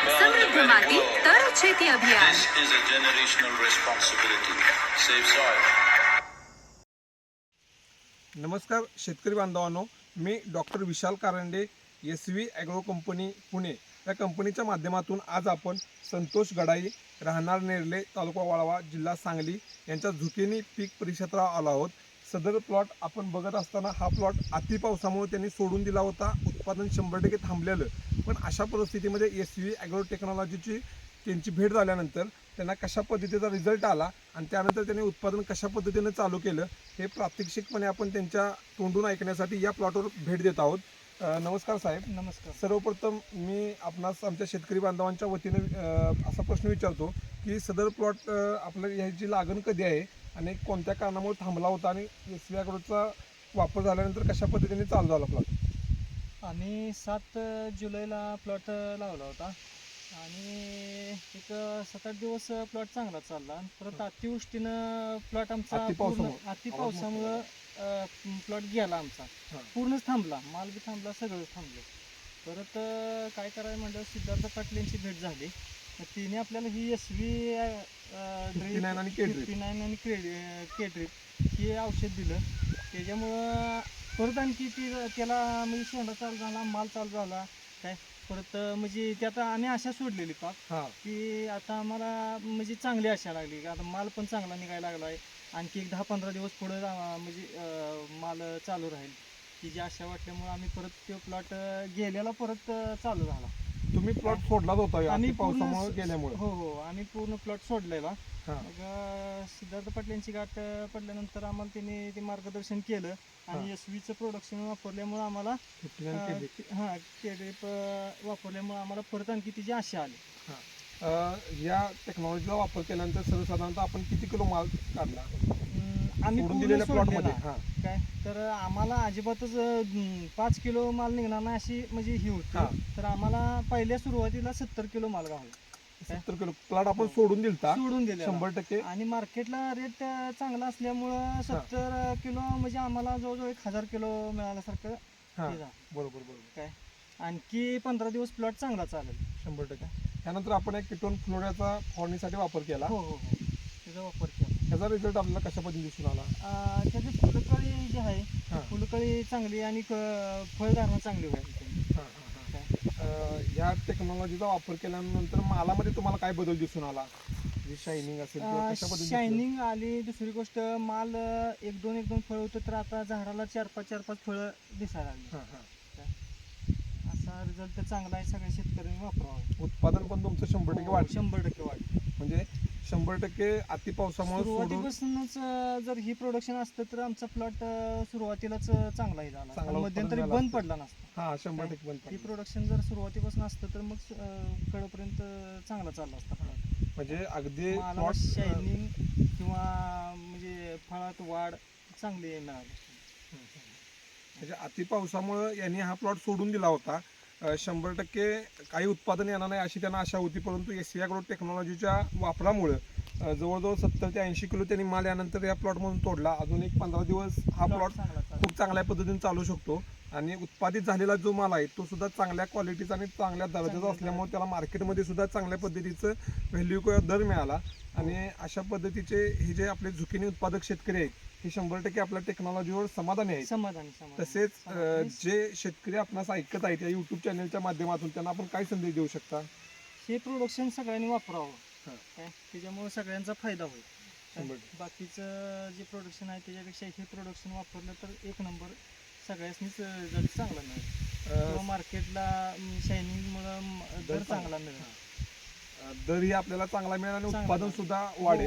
समृद्ध माती तर शेती अभियान. This is a generational responsibility. Save soil. नमस्कार शेतकरी बांधवांनो, मी doctor Vishal Karande, SV agro company Pune या कंपनीच्या माध्यमातून आज आपण संतोष गडाई, राहणार नेरले, तालुका वाळवा, जिल्हा सांगली यांच्या झुकिनी पीक परिक्षेत्रावर आलो आहोत. सदर प्लॉट आपण बघत असताना हा प्लॉट अति पावसामुळे त्यांनी सोडून दिला होता. उत्पादन 100% थांबलेलं, पण अशा परिस्थितीमध्ये SV ॲग्रो टेक्नॉलॉजीची त्यांची भेट झाल्यानंतर त्यांना कशा पद्धतीचा रिझल्ट आला आणि त्यानंतर त्यांनी उत्पादन कशा पद्धतीने चालू केलं हे प्रात्यक्षिकपणे आपण त्यांच्या तोंडून ऐकण्यासाठी या प्लॉटवर भेट देत आहोत. नमस्कार साहेब. नमस्कार. सर्वप्रथम मी आपणास आमच्या शेतकरी बांधवांच्या वतीने असा प्रश्न विचारतो की सदर प्लॉट आपल्या ह्याची लागण कधी आहे आणि कोणत्या कारणामुळे थांबला होता आणि SV ॲग्रोचा वापर झाल्यानंतर कशा पद्धतीने चालू झाला प्लॉट? आम्ही 7 जुलैला प्लॉट लावला होता आणि एक 7-8 दिवस प्लॉट चांगला चालला. परत अतिवृष्टीनं प्लॉट आमचा अति पावसामुळं प्लॉट गेला आमचा, पूर्णच थांबला, माल बी थांबला, सगळंच थांबलं. परत काय करायला म्हणलं, सिद्धार्थ पाटील यांची भेट झाली. तिने आपल्याला ही SV 59 आणि केड्रिप हे औषध दिलं. त्याच्यामुळं परत आणखी त्याला म्हणजे शेंडा चालू झाला, माल चालू झाला काय. परत म्हणजे ते आता आम्ही आशा सोडलेली पाक की आता आम्हाला म्हणजे चांगली आशा लागली की आता माल पण चांगला निघायला लागला आहे. आणखी एक 10-15 दिवस पुढे म्हणजे माल चालू राहील ही जी आशा वाटल्यामुळे आम्ही परत तो प्लॉट गेलेला परत चालू झाला. तुम्ही प्लॉट सोडलाच होता आम्ही पावसामुळे गेल्यामुळे? हो, आम्ही पूर्ण प्लॉट सोडलेला. मग सिद्धार्थ पाटलांची गाठ पडल्यानंतर आम्हाला त्यांनी ते मार्गदर्शन केलं आणि SVचं प्रोडक्शन वापरल्यामुळे आम्हाला केड्रिप वापरल्यामुळे आम्हाला परत आणखी तिची आशा आली. या टेक्नॉलॉजीचा वापर केल्यानंतर सर्वसाधारणतः आपण किती किलो माल काढला आम्ही सोडून दिलेल्या प्लॉटमध्ये? काय तर आम्हाला अजिबातच 5 किलो माल निघणार नाही अशी म्हणजे ही होती. तर आम्हाला पहिल्या सुरुवातीला 70 किलो माल गावला. 70 किलो प्लॉट आपण सोडून दिले 100%. आणि मार्केटला रेट चांगला असल्यामुळं 70 किलो म्हणजे आम्हाला जवळजवळ 1000 किलो मिळाल्यासारखं. बरोबर काय आणखी 15 दिवस प्लॉट चांगला चालेल 100%. त्यानंतर आपण एक किटोन फ्लोराचा फवारणीसाठी वापर केला. हो त्याचा वापर केला. त्याचा रिझल्ट आपल्याला कशा पद्धतीने दिसून आला? त्याची फुलकळी जी आहे फुलकळी चांगली आणि फळधारणा चांगली होईल. या टेक्नॉलॉजीचा वापर केल्यानंतर मालामध्ये तुम्हाला काय बदल दिसून आला? जी शायनिंग असेल, शायनिंग आली. दुसरी गोष्ट माल 1-2 फळ होतं तर आता झाडाला 4-5 फळं दिसायला लागली. असा रिझल्ट चांगला आहे. सगळ्या शेतकऱ्यांनी वापरावं. उत्पादन पण तुमचं 100% वाढ. 100% वाढ. म्हणजे 100% अति पावसामुळे सुरुवातीपासूनच जर ही प्रोडक्शन असतं तर आमचा प्लॉट सुरुवातीलाच चांगलाही झाला, मध्यंतरी बंद पडला नसता. 100% बंद. ही प्रोडक्शन जर सुरुवातीपासून असतं तर मग कडेपर्यंत चांगला चालला असता प्लॉट. म्हणजे अगदी शायनिंग किंवा म्हणजे फळात वाढ चांगली मिळाली. म्हणजे अति पावसामुळे यांनी हा प्लॉट सोडून दिला होता. 100% काही उत्पादन येणार नाही अशी त्यांना आशा होती, परंतु SV ॲग्रो टेक्नॉलॉजीच्या वापरामुळे जवळजवळ 70 ते 80 किलो त्यांनी माल यानंतर या प्लॉटमधून तोडला. अजून एक 15 दिवस हा प्लॉट खूप चांगल्या पद्धतीने चालू शकतो आणि उत्पादित झालेला जो माल आहे तो सुद्धा चांगल्या क्वालिटीचा आणि चांगल्या दर्जाचा असल्यामुळे त्याला मार्केटमध्ये सुद्धा चांगल्या पद्धतीचं व्हॅल्यू किंवा दर मिळाला. आणि अशा पद्धतीचे हे जे आपले झुकिनी उत्पादक शेतकरी आहेत हे 100% आपल्या टेक्नॉलॉजीवर समाधानी आहेत. तसेच जे शेतकरी आपणास ऐकत आहेत या YouTube चॅनलच्या माध्यमातून त्यांना आपण काय संदेश देऊ शकता? हे प्रोडक्शन सगळ्यांनी वापरावं काय, त्याच्यामुळे सगळ्यांचा फायदा होईल. बाकीचं जे प्रोडक्शन आहे त्याच्यापेक्षा हे प्रोडक्शन वापरलं तर एक नंबर सगळ्यांनीच रिझल्ट चांगला मिळेल. मार्केटला शायनिंगमुळं दर चांगला मिळेल. दरही आपल्याला चांगला मिळेल आणि उत्पादन सुद्धा वाढेल.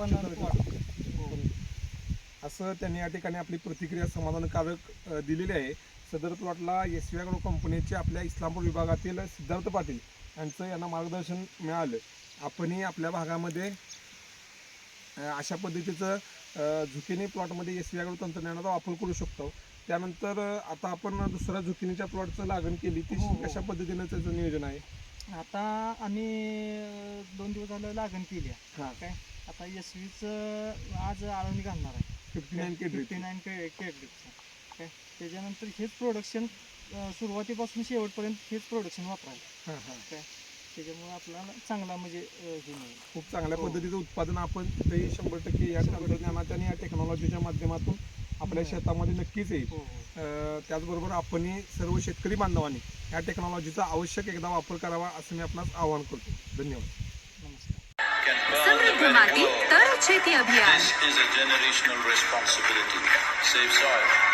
असं त्यांनी या ठिकाणी आपली प्रतिक्रिया समाधानकारक दिलेली आहे. सदर प्लॉटला SV ॲग्रो कंपनीचे आपल्या इस्लामपूर विभागातील सिद्धार्थ पाटील यांचं यांना मार्गदर्शन मिळालं. आपणही आपल्या भागामध्ये अशा पद्धतीचं झुकिनी प्लॉटमध्ये SV ॲग्रो तंत्रज्ञानाचा वापर करू शकतो. त्यानंतर आता आपण दुसऱ्या झुकिनीच्या प्लॉटचं लागण केली ती कशा पद्धतीनं त्याचं नियोजन आहे? आता आम्ही 2 दिवस झालं लागण केली आहे काय. आता SVचं आज आळवणी घालणार आहे 59 केड्रिपचं काय. त्याच्यानंतर हेच प्रोडक्शन सुरुवातीपासून शेवटपर्यंत हेच प्रोडक्शन वापरायचं काय. त्याच्यामुळे आपल्याला चांगला म्हणजे हे मिळेल. खूप चांगल्या हो. पद्धतीचं उत्पादन आपण इथेही 100% या तंत्रज्ञानाच्या आणि या टेक्नॉलॉजीच्या माध्यमातून आपल्या शेतामध्ये नक्कीच येईल. हो हो त्याचबरोबर आपणही सर्व शेतकरी बांधवांनी या टेक्नॉलॉजीचा आवश्यक एकदा वापर करावा असं मी आपणास आवाहन करतो. धन्यवाद. नमस्कार. Can burn the समृद्ध very माती world. तर शेती अभियान. This is a generational responsibility. Save soil.